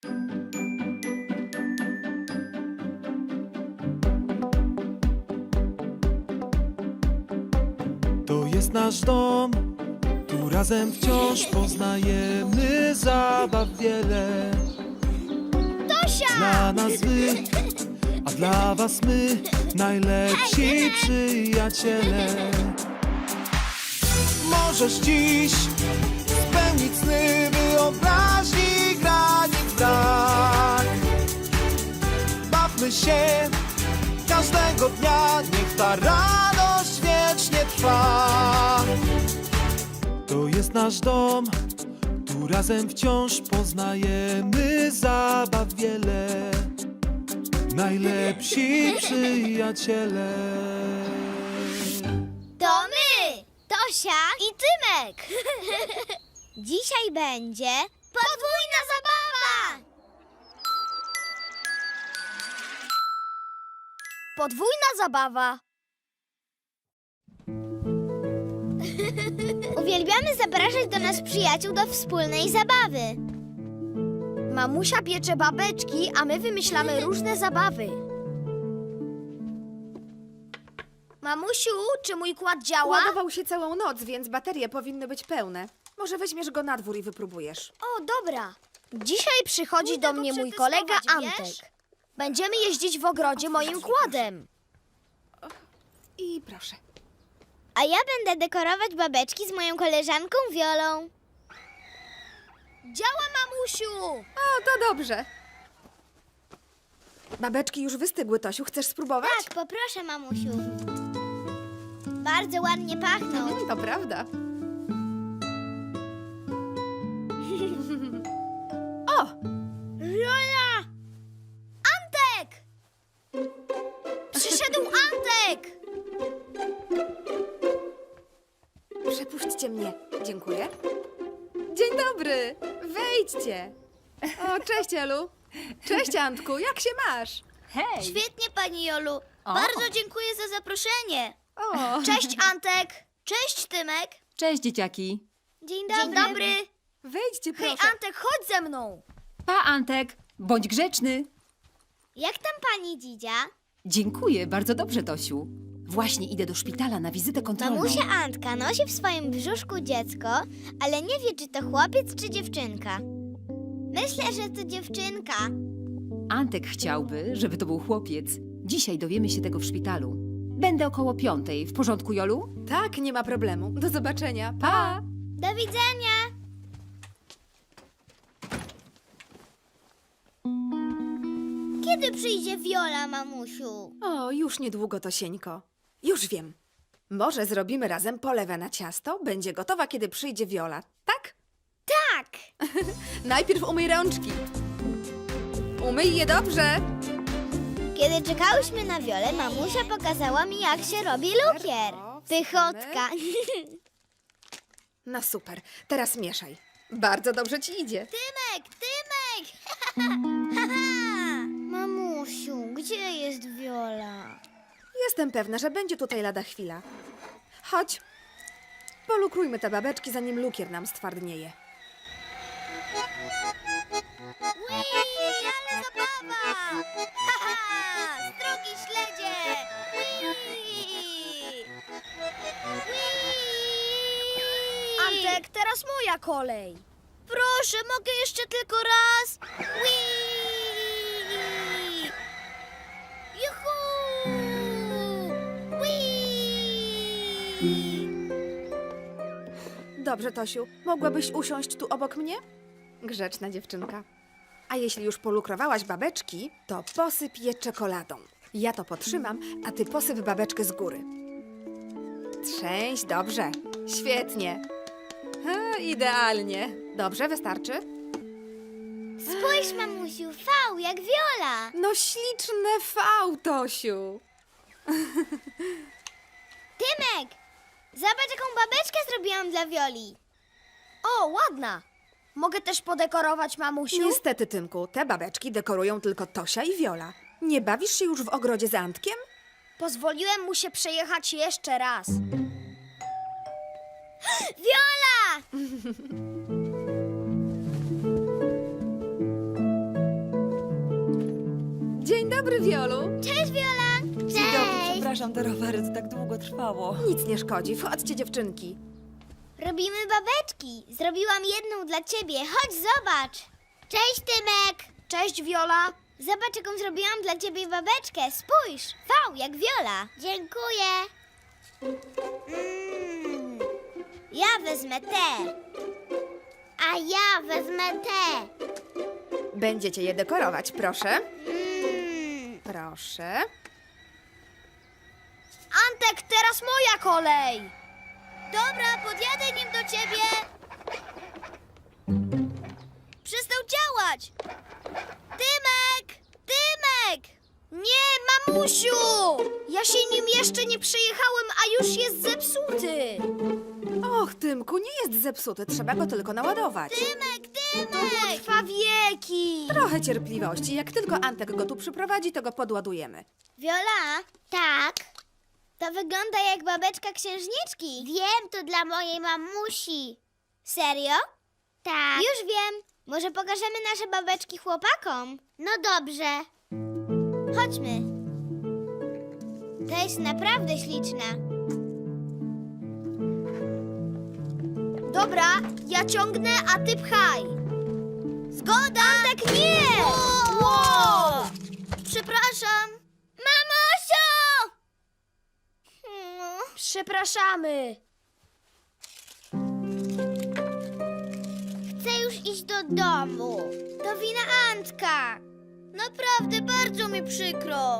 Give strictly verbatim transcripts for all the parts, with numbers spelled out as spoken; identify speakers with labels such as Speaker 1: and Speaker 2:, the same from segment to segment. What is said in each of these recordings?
Speaker 1: To jest nasz dom, tu razem wciąż poznajemy zabaw wiele.
Speaker 2: Tosia!
Speaker 1: Dla nas wy, a dla was my, najlepsi przyjaciele. Możesz dziś spełnić sny wyobraźni granic brak. Bawmy się każdego dnia, niech ta radość wiecznie trwa. To jest nasz dom, tu razem wciąż poznajemy zabaw wiele. Najlepsi przyjaciele.
Speaker 2: To my! Tosia i Tymek! Dzisiaj będzie podwójna zabawa! Podwójna zabawa. Uwielbiamy zapraszać do nas przyjaciół do wspólnej zabawy. Mamusia piecze babeczki, a my wymyślamy różne zabawy. Mamusiu, czy mój kład działa?
Speaker 3: Ładował się całą noc, więc baterie powinny być pełne. Może weźmiesz go na dwór i wypróbujesz.
Speaker 2: O, dobra. Dzisiaj przychodzi
Speaker 4: Pójdę
Speaker 2: do
Speaker 4: go
Speaker 2: mnie mój
Speaker 4: przetestować,
Speaker 2: kolega
Speaker 4: wiesz?
Speaker 2: Antek. Będziemy jeździć w ogrodzie moim kładem.
Speaker 3: I proszę.
Speaker 2: A ja będę dekorować babeczki z moją koleżanką Wiolą. Działa, mamusiu!
Speaker 3: O, to dobrze. Babeczki już wystygły, Tosiu. Chcesz spróbować?
Speaker 2: Tak, poproszę, mamusiu. Bardzo ładnie pachną.
Speaker 3: Mhm, to prawda. O!
Speaker 2: Wiola! Antek! Przyszedł Antek!
Speaker 3: Przepuśćcie mnie. Dziękuję. Dzień dobry. Wejdźcie. O, cześć, Elu. Cześć, Antku. Jak się masz?
Speaker 4: Hej!
Speaker 2: Świetnie, pani Jolu.
Speaker 4: O.
Speaker 2: Bardzo dziękuję za zaproszenie.
Speaker 3: O,
Speaker 2: Cześć, Antek. Cześć, Tymek.
Speaker 4: Cześć, dzieciaki!
Speaker 2: Dzień dobry. Dzień dobry.
Speaker 3: wejdźcie,
Speaker 2: Hej,
Speaker 3: proszę.
Speaker 2: Antek, chodź ze mną.
Speaker 4: Pa, Antek! Bądź grzeczny!
Speaker 2: Jak tam pani Dzidzia?
Speaker 4: Dziękuję, bardzo dobrze, Tosiu. Właśnie idę do szpitala na wizytę kontrolną.
Speaker 2: Mamusia Antka nosi w swoim brzuszku dziecko, ale nie wie, czy to chłopiec, czy dziewczynka. Myślę, że to dziewczynka.
Speaker 4: Antek chciałby, żeby to był chłopiec. Dzisiaj dowiemy się tego w szpitalu. Będę około piątej. W porządku, Jolu?
Speaker 3: Tak, nie ma problemu. Do zobaczenia. Pa!
Speaker 2: Do widzenia. Kiedy przyjdzie Wiola, mamusiu?
Speaker 3: O, już niedługo, Tosieńko. Już wiem. Może zrobimy razem polewę na ciasto? Będzie gotowa, kiedy przyjdzie Wiola, tak?
Speaker 2: Tak.
Speaker 3: Najpierw umyj rączki. Umyj je dobrze.
Speaker 2: Kiedy czekałyśmy na Wiolę, mamusia pokazała mi, jak się robi lukier. Pychotka.
Speaker 3: No super. Teraz mieszaj. Bardzo dobrze ci idzie.
Speaker 2: Tymek, Tymek! Mamusiu, gdzie jest Wiola?
Speaker 3: Jestem pewna, że będzie tutaj lada chwila. Chodź. Polukrujmy te babeczki, zanim lukier nam stwardnieje.
Speaker 2: Ui, ale zabawa! Haha, drogi śledzie! Ui! Ui! Antek, teraz moja kolej. Proszę, mogę jeszcze tylko raz? Ui! Juhu! Ui!
Speaker 3: Dobrze, Tosiu. Mogłabyś usiąść tu obok mnie? Grzeczna dziewczynka. A jeśli już polukrowałaś babeczki, to posyp je czekoladą. Ja to potrzymam, a ty posyp babeczkę z góry. Trzęś, dobrze. Świetnie. Ha, idealnie. Dobrze, wystarczy?
Speaker 2: Spójrz, mamusiu, V jak Wiola.
Speaker 3: No śliczne V, Tosiu.
Speaker 2: Tymek, zobacz, jaką babeczkę zrobiłam dla Wioli. O, ładna. Mogę też podekorować, mamusiu?
Speaker 3: Niestety, Tymku, te babeczki dekorują tylko Tosia i Wiola. Nie bawisz się już w ogrodzie z Antkiem?
Speaker 2: Pozwoliłem mu się przejechać jeszcze raz. Wiola!
Speaker 3: dobry, Wiolu.
Speaker 2: Cześć, Viola!
Speaker 5: Dzień dobry,
Speaker 2: Cześć!
Speaker 5: przepraszam, te rowery, to tak długo trwało.
Speaker 3: Nic nie szkodzi. Wchodźcie, dziewczynki.
Speaker 2: Robimy babeczki. Zrobiłam jedną dla ciebie. Chodź, zobacz. Cześć, Tymek. Cześć, Viola. Zobacz, jaką zrobiłam dla ciebie babeczkę. Spójrz. V jak Viola. Dziękuję. Mm. Ja wezmę te. A ja wezmę te.
Speaker 3: Będziecie je dekorować, proszę.
Speaker 2: Mm.
Speaker 3: Proszę.
Speaker 2: Antek, teraz moja kolej. Dobra, podjadę nim do ciebie. Przestał działać. Tymek! Tymek! Nie, mamusiu! Ja się nim jeszcze nie przejechałem, a już jest zepsuty.
Speaker 3: Och, Tymku, nie jest zepsuty. Trzeba go tylko naładować.
Speaker 2: Tymek, Tymek! Trwa wieki.
Speaker 3: Trochę cierpliwości. Jak tylko Antek go tu przyprowadzi, to go podładujemy.
Speaker 2: Viola? Tak? To wygląda jak babeczka księżniczki. Wiem, to dla mojej mamusi. Serio? Tak. Już wiem. Może pokażemy nasze babeczki chłopakom? No dobrze. Chodźmy. To jest naprawdę śliczna. Dobra, ja ciągnę, a ty pchaj. Zgoda! Tak nie! Wow! Przepraszam. Mamusiu! Przepraszamy. Chcę już iść do domu. To wina Antka. Naprawdę bardzo mi przykro.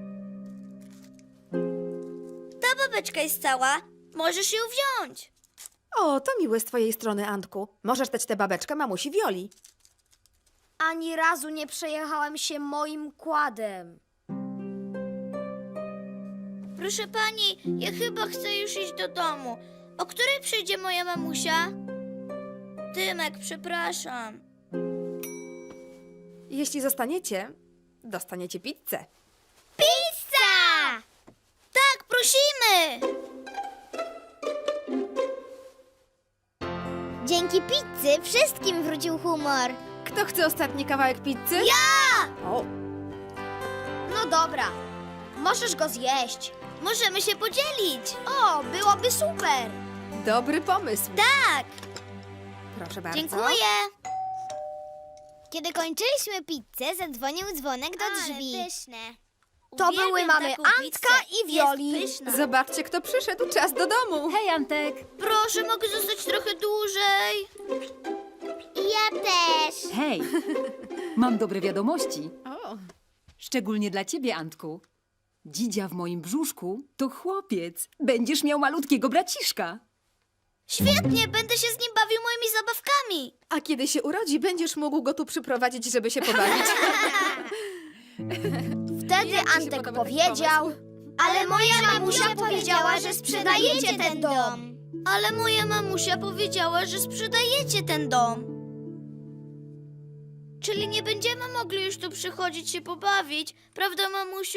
Speaker 2: Ta babeczka jest cała. Możesz ją wziąć.
Speaker 3: O, to miłe z twojej strony, Antku. Możesz dać tę babeczkę mamusi Wioli.
Speaker 2: Ani razu nie przejechałem się moim kładem. Proszę pani, ja chyba chcę już iść do domu. O której przyjdzie moja mamusia? Tymek, przepraszam.
Speaker 3: Jeśli zostaniecie, dostaniecie pizzę.
Speaker 2: Pizza! Tak, prosimy! Dzięki pizzy wszystkim wrócił humor.
Speaker 3: Kto chce ostatni kawałek pizzy?
Speaker 2: Ja!
Speaker 3: O,
Speaker 2: No dobra, możesz go zjeść. Możemy się podzielić. O, byłoby super.
Speaker 3: dobry pomysł.
Speaker 2: Tak,
Speaker 3: Proszę bardzo.
Speaker 2: dziękuję. Kiedy kończyliśmy pizzę, zadzwonił dzwonek do drzwi. To były mamy Antka i Wioli.
Speaker 3: Zobaczcie, kto przyszedł. Czas do domu.
Speaker 4: Hej, Antek!
Speaker 2: Proszę, mogę zostać trochę dłużej. Ja też.
Speaker 4: Hej! Mam dobre wiadomości.
Speaker 3: O,
Speaker 4: Szczególnie dla ciebie, Antku. Dzidzia w moim brzuszku to chłopiec. Będziesz miał malutkiego braciszka.
Speaker 2: Świetnie, będę się z nim bawił moimi zabawkami.
Speaker 3: a kiedy się urodzi, będziesz mógł go tu przyprowadzić, żeby się pobawić.
Speaker 2: Wtedy
Speaker 3: Jak ci się
Speaker 2: Antek
Speaker 3: podoba taki
Speaker 2: powiedział, ale moja mamusia powiedziała, że sprzedajecie ten dom. Ale moja mamusia powiedziała, że sprzedajecie ten dom. Czyli nie będziemy mogli już tu przychodzić się pobawić, prawda, mamusiu?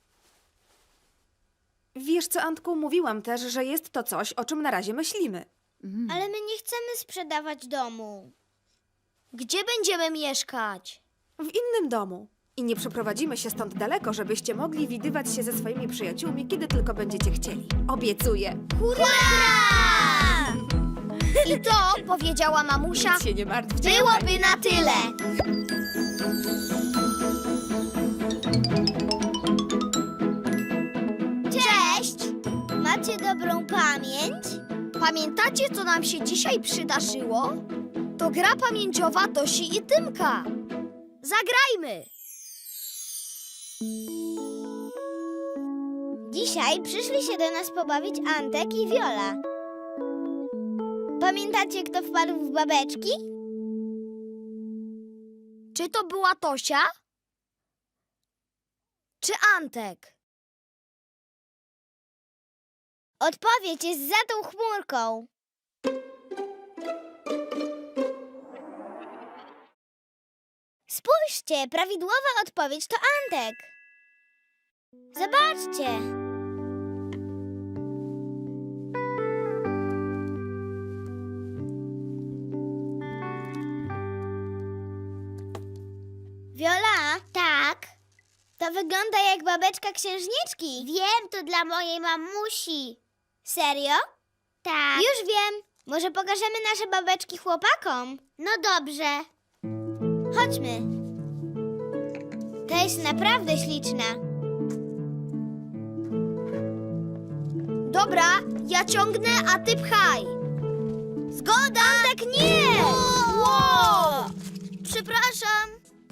Speaker 3: Wiesz co, Antku, mówiłam też, że jest to coś, o czym na razie myślimy.
Speaker 2: Ale my nie chcemy sprzedawać domu. Gdzie będziemy mieszkać?
Speaker 3: W innym domu. I nie przeprowadzimy się stąd daleko, żebyście mogli widywać się ze swoimi przyjaciółmi, kiedy tylko będziecie chcieli. Obiecuję.
Speaker 2: Hurra! I to, powiedziała mamusia,
Speaker 3: Nic się nie martwcie.
Speaker 2: byłoby na tyle. Cześć! Macie dobrą pamięć? Pamiętacie, co nam się dzisiaj przydarzyło? To gra pamięciowa Tosi i Tymka. Zagrajmy! Dzisiaj przyszli się do nas pobawić Antek i Wiola. Pamiętacie, kto wpadł w babeczki? Czy to była Tosia? Czy Antek? Odpowiedź jest za tą chmurką. Spójrzcie, prawidłowa odpowiedź to Antek. Zobaczcie. Wiola? Tak? To wygląda jak babeczka księżniczki. Wiem, to dla mojej mamusi. Serio? Tak. Już wiem. Może pokażemy nasze babeczki chłopakom? No dobrze. Chodźmy. To jest naprawdę śliczna. Dobra, ja ciągnę, a ty pchaj. Zgoda! Tak nie! Wow! Przepraszam.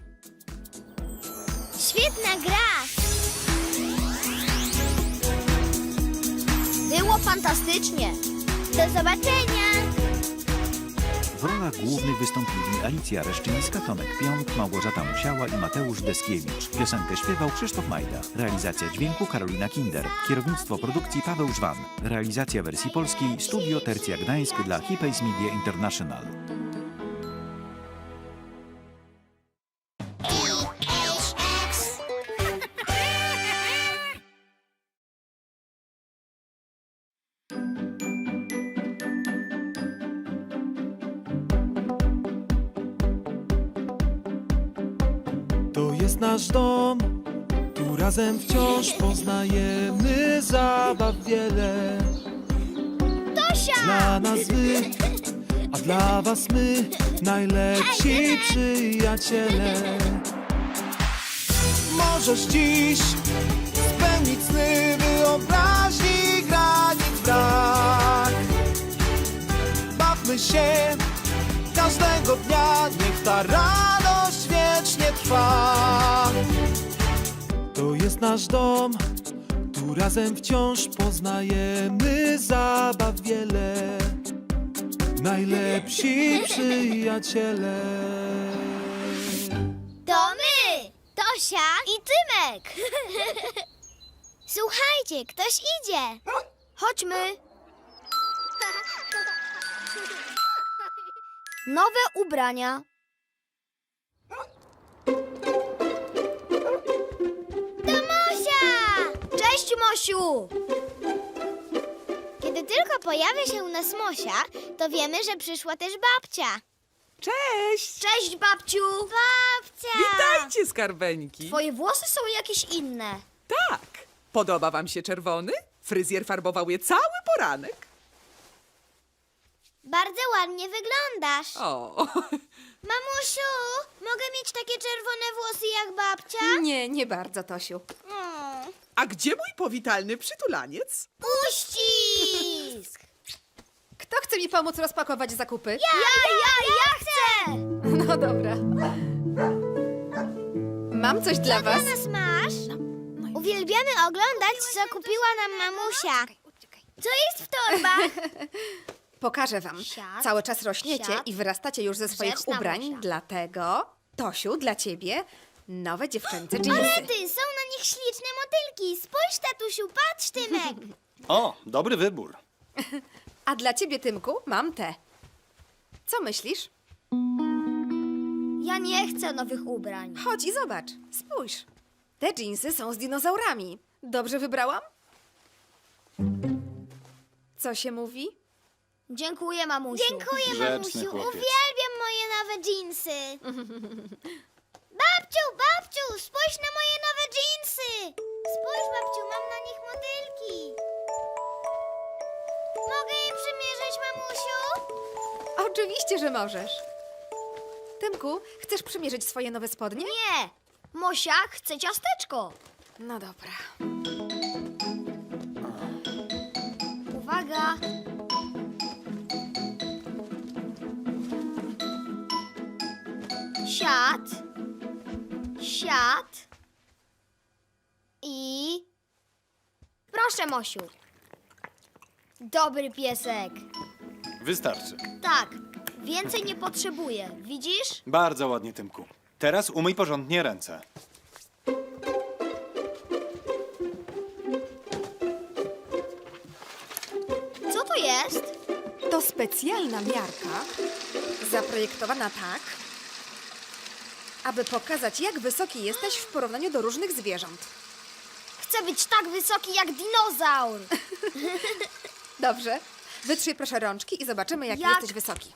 Speaker 2: Świetna gra. Było fantastycznie. Do zobaczenia.
Speaker 6: W rolach głównych wystąpili Alicja Reszczyńska, Tomek Pionk, Małgorzata Musiała i Mateusz Deskiewicz. Piosenkę śpiewał Krzysztof Majda. Realizacja dźwięku Karolina Kinder. Kierownictwo produkcji Paweł Żwan. Realizacja wersji polskiej Studio Tercja Gdańsk dla Hipays Media International.
Speaker 1: To jest nasz dom, tu razem wciąż poznajemy zabaw wiele.
Speaker 2: Tosia!
Speaker 1: Dla nas wy, a dla was my, najlepsi przyjaciele. Możesz dziś spełnić sny, wyobraźni granic brak. Bawmy się każdego dnia, niech ta radość wiecznie trwa. To jest nasz dom, tu razem wciąż poznajemy zabaw wiele. Najlepsi przyjaciele.
Speaker 2: To my! Tosia i Tymek! Słuchajcie, ktoś idzie. Chodźmy. Nowe ubrania. To Mosia! Cześć, Mosiu! Kiedy tylko pojawia się u nas Mosia, to wiemy, że przyszła też babcia.
Speaker 7: Cześć!
Speaker 2: Cześć, babciu! Babcia!
Speaker 7: Witajcie, skarbeńki!
Speaker 2: Twoje włosy są jakieś inne.
Speaker 7: Tak! Podoba wam się czerwony? Fryzjer farbował je cały poranek.
Speaker 2: Bardzo ładnie wyglądasz.
Speaker 7: O,
Speaker 2: Mamusiu, mogę mieć takie czerwone włosy jak babcia?
Speaker 3: Nie, nie bardzo, Tosiu.
Speaker 2: Mm.
Speaker 7: a gdzie mój powitalny przytulaniec?
Speaker 2: Uścisk!
Speaker 3: Kto chce mi pomóc rozpakować zakupy?
Speaker 2: Ja, ja, ja chcę!
Speaker 3: No dobra. Mam coś dla was.
Speaker 2: Dla nas masz? Uwielbiamy oglądać, co kupiła nam mamusia. Co jest w torbach?
Speaker 3: Pokażę wam.
Speaker 2: Siad,
Speaker 3: Cały czas rośniecie
Speaker 2: siad.
Speaker 3: i wyrastacie już ze swoich
Speaker 2: Grzeczna
Speaker 3: ubrań,
Speaker 2: Mosia.
Speaker 3: dlatego, Tosiu, dla ciebie nowe dziewczęce
Speaker 2: Ale
Speaker 3: dżinsy.
Speaker 2: ty, są na nich śliczne motylki. Spójrz, tatusiu, patrz, Tymek.
Speaker 8: O, dobry wybór.
Speaker 3: A dla ciebie, Tymku, mam te. Co myślisz?
Speaker 2: Ja nie chcę nowych ubrań.
Speaker 3: Chodź i zobacz. Spójrz. Te dżinsy są z dinozaurami. Dobrze wybrałam? Co się mówi?
Speaker 2: Dziękuję, mamusiu. Dziękuję,
Speaker 8: Grzeczny
Speaker 2: mamusiu.
Speaker 8: chłopiec.
Speaker 2: Uwielbiam moje nowe dżinsy. Babciu, babciu, spójrz na moje nowe dżinsy. Spójrz, babciu, mam na nich motylki. Mogę je przymierzyć, mamusiu?
Speaker 3: Oczywiście, że możesz. Tymku, chcesz przymierzyć swoje nowe spodnie?
Speaker 2: Nie. Mosia chce ciasteczko.
Speaker 3: No dobra.
Speaker 2: Uwaga. Siad. Siad. I... Proszę, Mosiu. Dobry piesek.
Speaker 8: Wystarczy.
Speaker 2: Tak, więcej nie potrzebuję. Widzisz?
Speaker 8: Bardzo ładnie, Tymku. Teraz umyj porządnie ręce.
Speaker 2: Co to jest?
Speaker 3: To specjalna miarka, zaprojektowana tak, aby pokazać, jak wysoki jesteś w porównaniu do różnych zwierząt.
Speaker 2: Chcę być tak wysoki jak dinozaur.
Speaker 3: Dobrze. Wytrzyj proszę rączki i zobaczymy, jak,
Speaker 2: Jak?
Speaker 3: jesteś wysoki.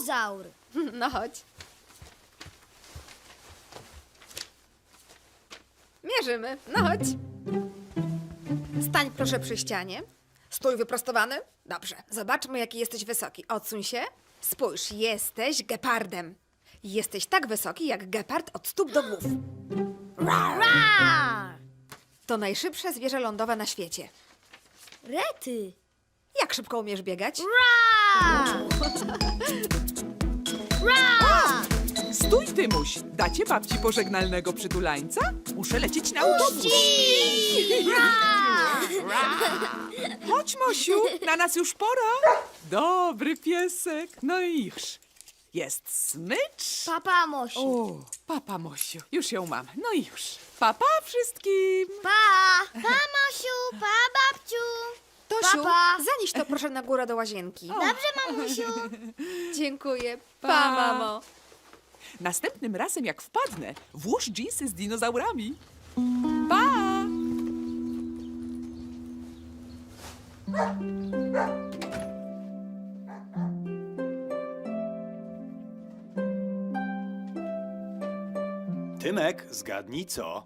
Speaker 2: Brachiozaur.
Speaker 3: No chodź. Mierzymy. No chodź. Stań proszę przy ścianie. Stój wyprostowany. Dobrze. Zobaczmy, jaki jesteś wysoki. Odsuń się. Spójrz, jesteś gepardem. Jesteś tak wysoki, jak gepard od stóp do głów.
Speaker 2: Ra!
Speaker 3: To najszybsze zwierzę lądowe na świecie.
Speaker 2: Rety!
Speaker 3: Jak szybko umiesz biegać?
Speaker 2: Ra! Ra!
Speaker 7: Stój, Tymuś! Dacie babci pożegnalnego przytulańca? Muszę lecieć na autobus. Chodź, Mosiu, na nas już pora. Dobry piesek. No i już. Jest smycz.
Speaker 2: Papa Mosiu.
Speaker 7: O, papa Mosiu. Już ją mam. No i już. Papa wszystkim.
Speaker 2: Pa! Pa Mosiu, pa babciu.
Speaker 3: Tosiu,
Speaker 2: Papa.
Speaker 3: zanieś to proszę na górę do łazienki.
Speaker 2: Dobrze, mamusiu.
Speaker 3: Dziękuję.
Speaker 7: Pa.
Speaker 3: Pa, mamo.
Speaker 7: Następnym razem, jak wpadnę, włóż dżinsy z dinozaurami. Pa!
Speaker 8: Tymek, zgadnij co?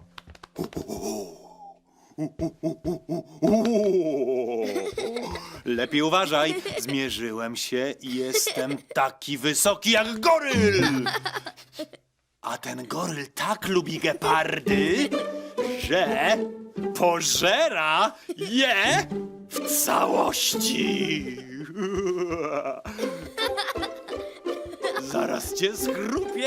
Speaker 8: Lepiej uważaj, zmierzyłem się i jestem taki wysoki jak goryl! A ten goryl tak lubi gepardy, że pożera je w całości! Zaraz cię schrupię!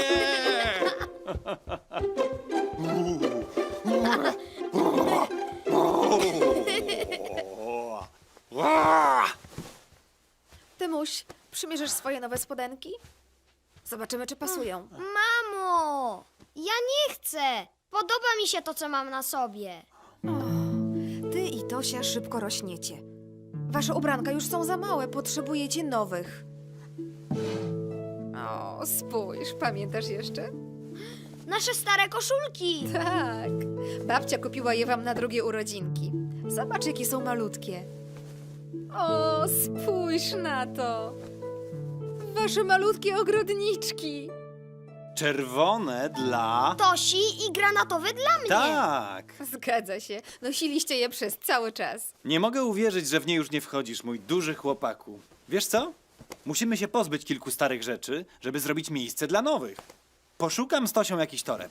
Speaker 3: Tymuś, przymierzysz swoje nowe spodenki? Zobaczymy, czy pasują.
Speaker 2: Mamo, ja nie chcę. Podoba mi się to, co mam na sobie.
Speaker 3: Ty i Tosia szybko rośniecie. Wasze ubranka już są za małe, potrzebujecie nowych. O, spójrz, pamiętasz jeszcze?
Speaker 2: Nasze stare koszulki.
Speaker 3: Tak. Babcia kupiła je wam na drugie urodzinki. Zobacz, jakie są malutkie. O, spójrz na to. Wasze malutkie ogrodniczki.
Speaker 8: Czerwone dla...
Speaker 2: Tosi i granatowy dla mnie.
Speaker 8: Tak!
Speaker 3: Zgadza się. Nosiliście je przez cały czas.
Speaker 8: Nie mogę uwierzyć, że w nie już nie wchodzisz, mój duży chłopaku. Wiesz co? Musimy się pozbyć kilku starych rzeczy, żeby zrobić miejsce dla nowych. Poszukam z Tosią jakiś toreb.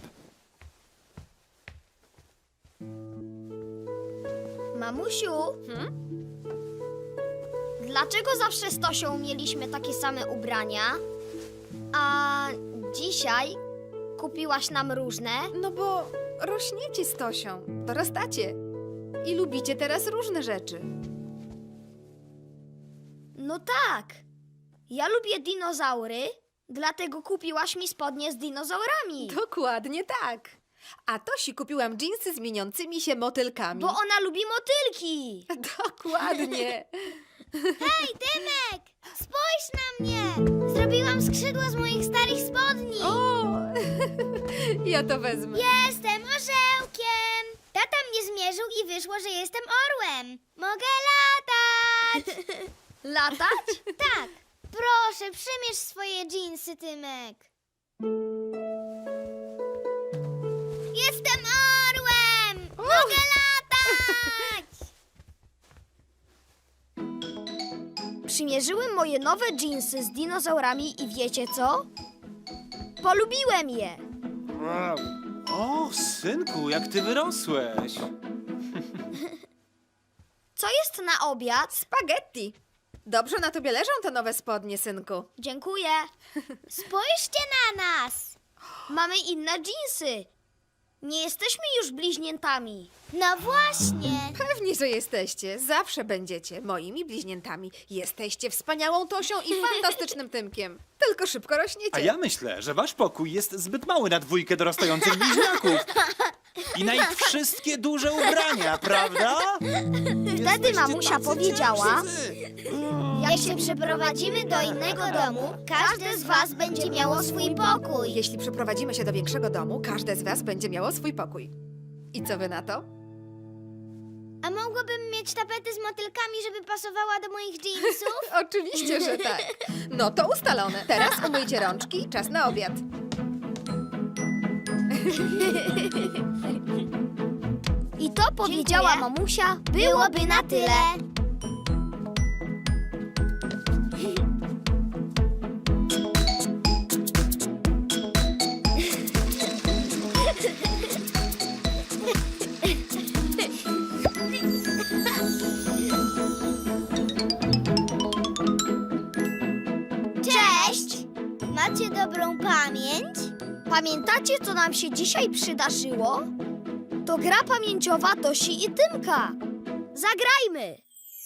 Speaker 2: Mamusiu, dlaczego zawsze z Tosią mieliśmy takie same ubrania, a dzisiaj kupiłaś nam różne?
Speaker 3: No bo rośniecie z Tosią, dorastacie i lubicie teraz różne rzeczy.
Speaker 2: No tak. Ja lubię dinozaury, dlatego kupiłaś mi spodnie z dinozaurami.
Speaker 3: Dokładnie tak. A Tosi kupiłam dżinsy z mieniącymi się motylkami.
Speaker 2: Bo ona lubi motylki.
Speaker 3: Dokładnie.
Speaker 2: Hej, Tymek! Spójrz na mnie! Zrobiłam skrzydła z moich starych spodni.
Speaker 3: O, ja to wezmę.
Speaker 2: Jestem orzełkiem! Tata mnie zmierzył i wyszło, że jestem orłem. Mogę latać! Latać? Tak. Proszę, przymierz swoje dżinsy, Tymek. Jestem orłem! Mogę latać! Przymierzyłem moje nowe dżinsy z dinozaurami i wiecie co? Polubiłem je.
Speaker 8: O, synku, jak ty wyrosłeś.
Speaker 2: Co jest na obiad?
Speaker 3: Spaghetti. Dobrze na tobie leżą te nowe spodnie, synku.
Speaker 2: Dziękuję. Spójrzcie na nas. Mamy inne dżinsy. Nie jesteśmy już bliźniętami. No właśnie.
Speaker 3: Pewnie, że jesteście. Zawsze będziecie moimi bliźniętami. Jesteście wspaniałą Tosią i fantastycznym Tymkiem. Tylko szybko rośniecie.
Speaker 8: A ja myślę, że wasz pokój jest zbyt mały na dwójkę dorastających bliźniaków. I na ich wszystkie duże ubrania, prawda?
Speaker 2: Wtedy mamusia
Speaker 8: tacy
Speaker 2: powiedziała,
Speaker 8: ciężcy.
Speaker 2: jak się przeprowadzimy do innego domu, każde z was będzie miało swój pokój.
Speaker 3: Jeśli przeprowadzimy się do większego domu, każde z was będzie miało swój pokój. I co wy na to?
Speaker 2: A mogłabym mieć tapetę z motylkami, żeby pasowała do moich dżinsów?
Speaker 3: Oczywiście, że tak. No to ustalone. Teraz umyjcie rączki, czas na obiad.
Speaker 2: I to powiedziała mamusia, byłoby na tyle. Cześć! Macie dobrą pamięć? Pamiętacie, co nam się dzisiaj przydarzyło? To gra pamięciowa Tosi i Tymka. Zagrajmy!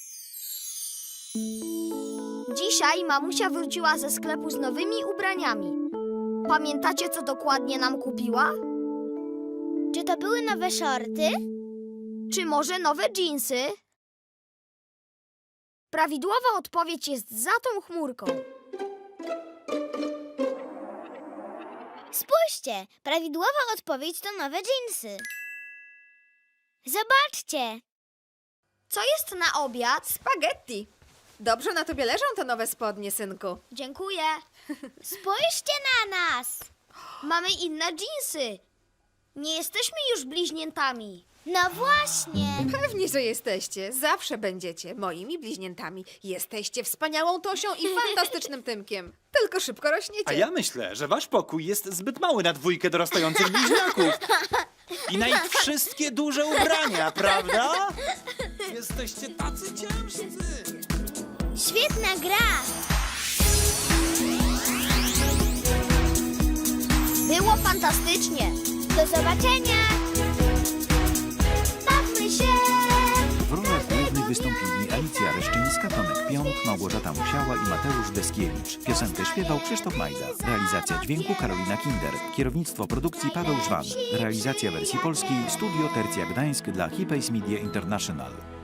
Speaker 2: Dzisiaj mamusia wróciła ze sklepu z nowymi ubraniami. Pamiętacie, co dokładnie nam kupiła? Czy to były nowe shorty? Czy może nowe dżinsy? Prawidłowa odpowiedź jest za tą chmurką. Spójrzcie, prawidłowa odpowiedź to nowe dżinsy. Zobaczcie. Co jest na obiad?
Speaker 3: Spaghetti. Dobrze na tobie leżą te nowe spodnie, synku.
Speaker 2: Dziękuję. Spójrzcie na nas. Mamy inne dżinsy. Nie jesteśmy już bliźniętami. No właśnie.
Speaker 3: Pewnie, że jesteście. Zawsze będziecie moimi bliźniętami. Jesteście wspaniałą Tosią i fantastycznym Tymkiem. Tylko szybko rośniecie.
Speaker 8: A ja myślę, że wasz pokój jest zbyt mały na dwójkę dorastających bliźniaków. I na ich wszystkie duże ubrania, prawda? Jesteście tacy ciężcy.
Speaker 2: Świetna gra. Było fantastycznie. Do zobaczenia. Bawmy się.
Speaker 6: W rolach głównych wystąpili Alicja Reszczyńska, Tomek Pionk, Małgorzata Musiała i Mateusz Deskiewicz. Piosenkę śpiewał Krzysztof Majda. Realizacja dźwięku Karolina Kinder. Kierownictwo produkcji Paweł Żwan. Realizacja wersji polskiej Studio Tercja Gdańsk dla Hipays Media International.